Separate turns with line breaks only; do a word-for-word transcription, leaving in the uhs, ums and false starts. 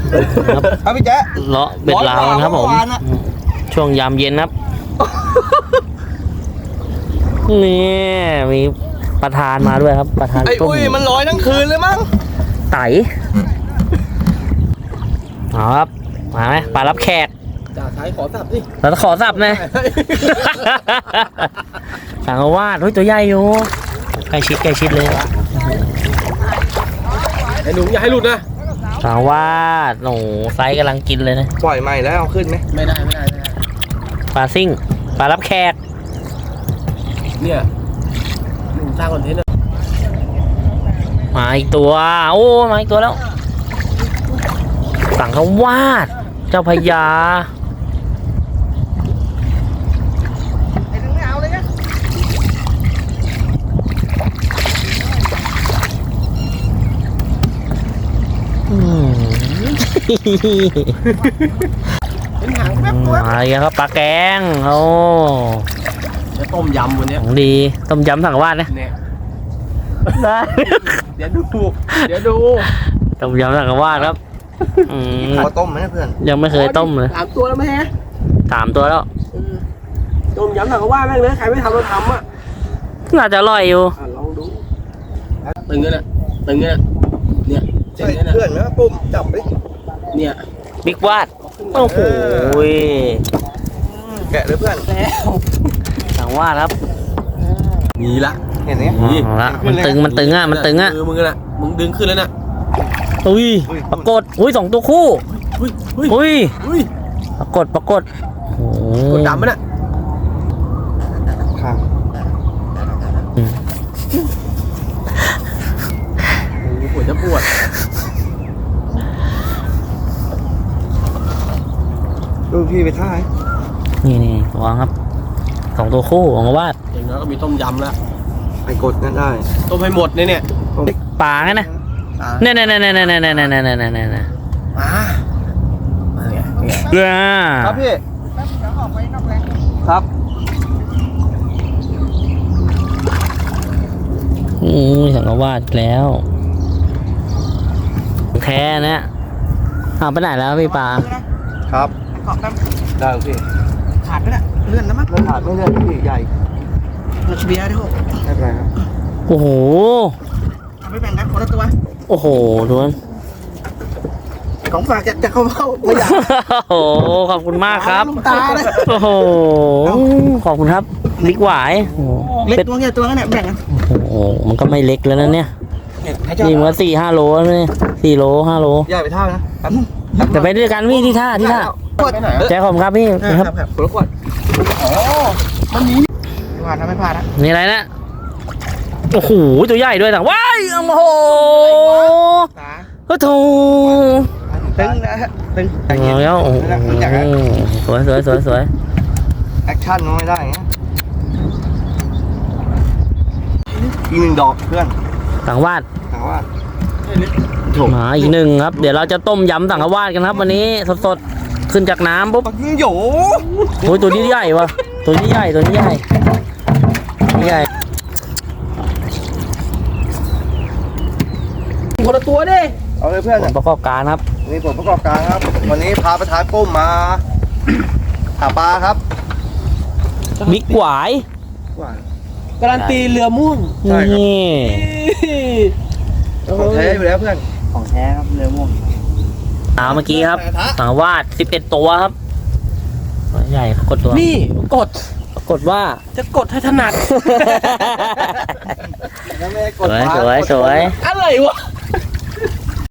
ครับพี่แจ๊ะ
เลาะเบ็ดลาวนะครับผมช่วงยามเย็นครับนี่มีประธานมาด้วยครับประธาน
ไอ้อุ้ยมันลอยทั้งคืนเลยมั้ง
ไต่เอาครับมาไหมปลารับแขก
จ่าท้ายขอสับสิ
เราจะขอสับนะสังวาดเฮ้ยตัวใหญ่อยู่ใกล้ชิดใกล้ชิดเลย
ไอ้หนูอย่าให้หลุดนะ
สังวาดโอ้ไซส์กำลังกินเลยนะ
ปล่อยใหม่แล้วเอาขึ้นไหมไม่ได้ไม่ได้ไม่ได้
ปลาซิ่งปลารับแขก
เนี่ยหนุ่มสร้างคอนเทนต์
มาอีกตัวโอ้มาอีกตัวแล้วสังวาดเจ้าพญา
ไอ้ถึงไม่เอาเลยนะเป็นหางแป๊บตัว
มาอีกครับปลาแกงโอ้
จะต้มยำวันนี้
ของดีต้มยำสังวาดนะได้
เดี๋ยวดูเดี๋ยวดู
ต้มยำสังวาดครับ
ขอต้มไหมเพื่อน
ยังไม่เคยต้มเลย
สามตัวแล้วไหมฮะ
สามตัวแล้ว
ต้มยำสังวาดแม่งเลยใครไม่ทำเราทำอ่ะ
น่าจะอร่อยอยู่
ลองดูตึงเลยนะตึงเลยนะเนี่ยเพื่อนนะปุ่มจับไปเนี่ย
บิ๊กวาดโอ้โห
แกะเลยเพื่อนแล้ว
สังวาดครับ
มีละเห็นไหม
มันตึงมันตึงอ่ะมันตึงอ่ะ
มึงน่ะมึงดึงขึ้นแล้วน่ะ
อุ้ยปรากฏอุ้ยสองตัวคู่อุ้ยปรากฏปรากฏ
กดดำไหมน่ะค่ะปวดจะปวดดูพี่ไปท่าย
นี่นี่วางครับสองตัวคู่ของวาด
อย่างน้อยก็มีต้มยำแล้วไปกดนั่นได้ต้มให้หมดเนี่ยเนี่ย
ปลาไงนะเนี่ยเนี่ยเนี่ยเนี่ยเนี่ยเนี่ยเนี่ยเนี่ยเนี่ยเนี่ย
มามาเนี่ย
ครับ
พี่ครับ
อืมสังกวาดแล้วแค่นะเอาไปไหนแล้วพี่ปลา
ครับได้พี่ขาดไปแล้วเลื่อนแล้วมั้งขาดไม่เลื่อนพี่ใหญ่เราเบียร์ด้วยไม่เป็นไรครับ
โอ้โห
ทำไม่แบ่งกันคนละตัว
โอ้โหทุกคน
ของฝากจะจะเข้าเข้าไม่อยาก
โอ้โหขอบคุณมากครับโอ้โหขอบคุณครับลิกหวาย
เล็กตัวเนี่ยตัวเนี่ยแบ่งกัน
โอ้โหมันก็ไม่เล็กแล้วนะเนี่ยนี่มันสี่ห้าโลนี่สี่โลห้าโล
ใหญ่ไปเท่านะ
แต่ไปด้วยกันพี่ที่ท่าที่ท่าแจ๊คผมครับพี่
ครับคนละขวดอ๋อมันมีไม่พลาดนะไม่พลาดนะ
นี่อะไรนะโอ้โหตัวใหญ่ด้วยแต่ว้ายโอ้โหก็ถู
ตึงนะตึง
แล้วโอ้โหสวยสวยสวยสวย
แอคชั่นไม่ได้เงี้ยอีกหนึ่งดอกเพื่อน
สังวาด
สังวาด
มาอีกหนึ่งครับเดี๋ยวเราจะต้มยำสังวาดกันครับวันนี้สดๆขึ้นจากน้ำปุ๊บ
โย่
โอ้ยตัวนี้ใหญ่วะตัวนี้ใหญ่ตัวนี้ใหญ่ใหญ่
คนละตัวดิเอาเลยเพื่อน
ผลประกอบการครับ
นี่ผลประกอบการครับวันนี้พาประธานปุ้มมาหาปลาครับ
บิ๊กหวาย
การันตีเรือม่วง
นี่
ของแท้อยู่แล้วเพื่อนของแท้ครับเรือม่วง
เอาเมื่อกี้ครับสังวาดสิบเอ็ดตัวครับใหญ่กดตัว
นี่กด
กดว่า
จะกดให้ถนัด
สวยสวยสวย
อะไรวะ